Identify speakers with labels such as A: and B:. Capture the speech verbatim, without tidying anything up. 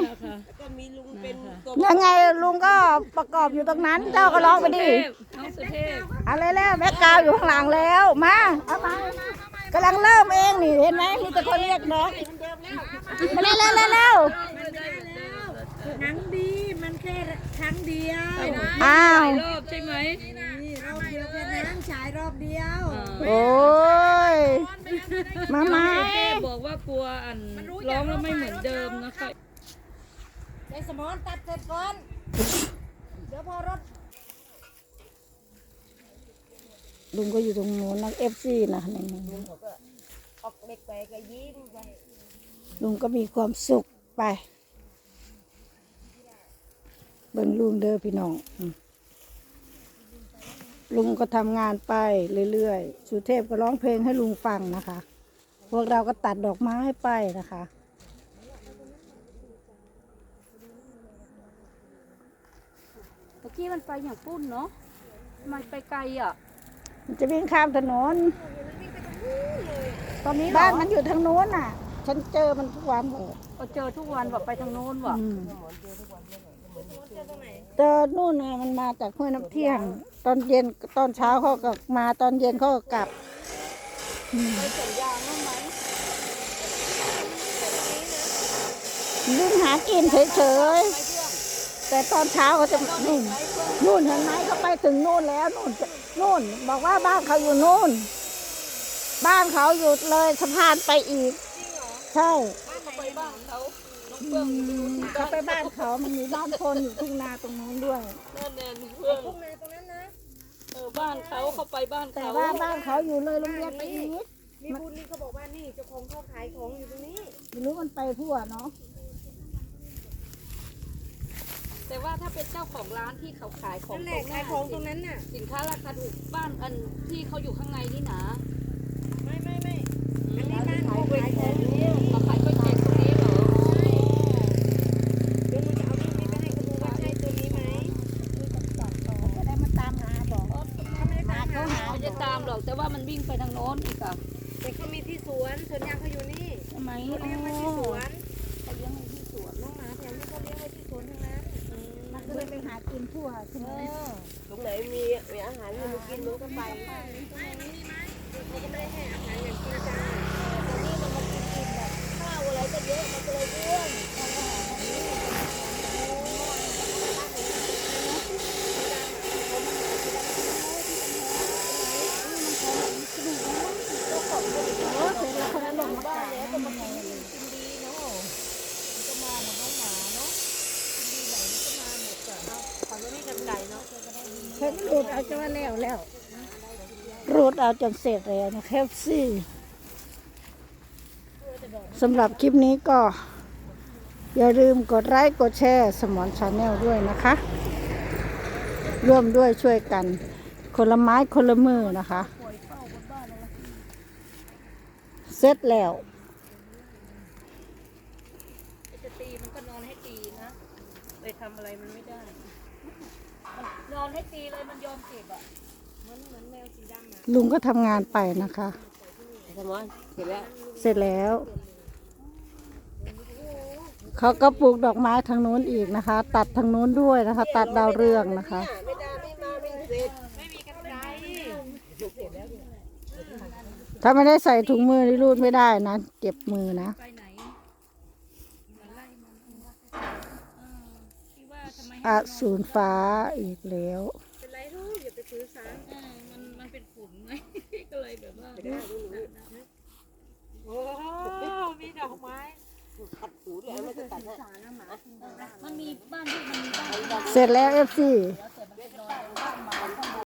A: ก็มีลุงเป็นตัว
B: ยังไงลุงก็ประกอบอยู่ตรงนั้น เจ้าก็ร้องไปดิ
C: น้องสุเทพ
B: อะไรแล้วแม่กาวอยู่ข้างหลังแล้วมามากำลังเริ่มเองนี่เห็นไหมมีแต่คนเรียกน้องมาเร็วเร็วเร็วเร็ว
A: หนังดีมันแค่ครั้งเดียว
B: อ้าว
C: รอบใช่ไหม
A: นี่รอบเดียวแค่นั้นฉายรอบเดียว
B: โอ้ยมามา
C: สุเทพบอกว่ากลัวอันร้องแล้วไม่เหมือนเดิมนะคะ
A: ไอ้สมอนตัดเสร็จก่อนเดี๋ยวพอรถ
B: ลุงก็อยู่ตรงโน้นนักเอฟซีนะนี่
A: ออกเด็กไปก็ยิ้มไป
B: ลุงก็มีความสุขไปเบิ่งลุงเด้อพี่น้องอืมลุงก็ทำงานไปเรื่อยๆสุเทพก็ร้องเพลงให้ลุงฟังนะคะ พวกเราก็ตัดดอกไม้ไปนะคะ
C: เมื่อกี้มันไปอย่างปุ้นเนาะมันไปไกลอ่ะ
B: มันจะวิ่งข้ามถนน
C: ตอนนี้
B: บ้านมันอยู่ทางโน้นน่ะ ฉันเจอมันทุกวันเลย
C: ก็เจอทุกวันว่าไปทางโน้นว่ะ
B: อืมเจอนู่นไงมันมาจากห้วยน้ำเที่ยง ตอนเย็นตอนเช้าเขาก็มาตอนเย็นเขาก็กลับ
C: ไปสวนยางบ้างไหม
B: วิ่งหากินเฉยๆแต่ตอนเช้าเขาจะนู่นนู่นเห็นไหมเขาไปถึงนู่นแล้วนู่นนู่นบอกว่าบ้านเขาอยู่นู่น บ้านเขาอยู่เลยสะพานไปอีกใช่
C: เขาไปบ้านเขาน้องเฟื่องอยู่ที่
B: เขาไปบ้านเขามันมีบ้านคนอยู่ทุ่งนาตรงนู้นด้วย
C: นั่นแน่น้องเฟื่อง
A: ทุ่งนาตรงนั้นนะ
C: เออบ้านเขาเขาไปบ้าน
B: แต่
C: เขา
B: ว่าบ้านเขาอยู่เลยโรงเรียนไปอีก
A: มีบุญนี่เขาบอกว่านี่เจ้าของเขาขายของอยู่ตรงนี้
B: ไม่รู้มันไปทั่วเนาะ
C: แต่ว่าถ้าเป็นเจ้าของร้านที่เขาขายของ
A: นั่นแหละขายของตรงนั้นน่ะ
C: สินค้าราคาถูกบ้านอันที่เขาอยู่ข้างในนี่นะ
A: ไม่ไม่ไม่อันนี้บ้านเขาขายของอยู่
C: เขาขายก๋วยเตี๋ยวตรงนี้เหรอ
A: เดี๋ยวหนูจะเอารูปนี้ไปให้เขาดูว่าใช่ตัวนี้ไหม
B: จะได้มาตามหาบอก
A: เขาไม่ได้ตามหา
C: เขาไม่ได้ตามหรอกแต่ว่ามันวิ่งไปทางโน้นอีกอะ
A: แต่เขามีที่สวนสวนยางเขาอยู่นี่
C: ใช่ไหม
A: เขาเลี้ยงไว้ที่สวน
C: เขาเลี้ยงในที่สวน
A: น้องหมาแถวนี้เขาเลี้ยงไว้ที่สวนทั้งนั้น
B: มันก็เลยไปหากินทั่วใช่ไหม
A: ตรงไหนมีมีอาหารให้หนูกินหนูก็ไปเขาก็ไม่ได้ให้อาหารอย่างจริงจังตอนนี้มันมากินกินแบบข้าวอะไรก็เยอะมันก็เลยอ้วนเขาไม่กันไก่เนาะ
B: เพิ่งรูดเอาจนว่าแล้วแล้วรูดเอาจนเสร็จแล้วนะแคปซี่สำหรับคลิปนี้ก็ อย่าลืมกดไลค์กดแชร์สมอนชาแนลด้วยนะคะ ร่วมด้วยช่วยกัน คนละไม้คนละมือนะคะ เสร็จแล้ว
C: จะตีมันก็นอนให้ตีนะไปทำอะไรมันไม่ได้มันนอนให้ตีเลยมันยอมเก็บอ่ะ
A: เหมือนเหมือนแมวสีดำอ่ะ
B: ลุงก็ทำงานไปนะคะ
A: สมอนเสร็จแล้ว
B: เสร็จแล้ว เขาก็ปลูกดอกไม้ทางนู้นอีกนะคะ ตัดทางนู้นด้วยนะคะ ตัดดาวเรืองนะคะ
A: ไม่ได้ไม่มาไม่เสร็จไม่มีกันไกร
B: ถ้าไม่ได้ใส่ถุงมือนี่รูดไม่ได้นะเจ็บมือนะ
C: ไปไหนมันไล่มันเออที่ว่าทำไมให้
B: อาสูรฟ้าอีกแล้ว
A: เป็นไรลูกอย่าไปถือสา
C: เออมันมันเป็นขุนไง ก็เลยแบบว่า
A: โอ้มีดอกไม้ตัดหูด้วยไม่จะตัดนะ
C: มันมีบ้านที่มันมีบ้าน
B: เสร็จแล้วเอฟซี
C: เ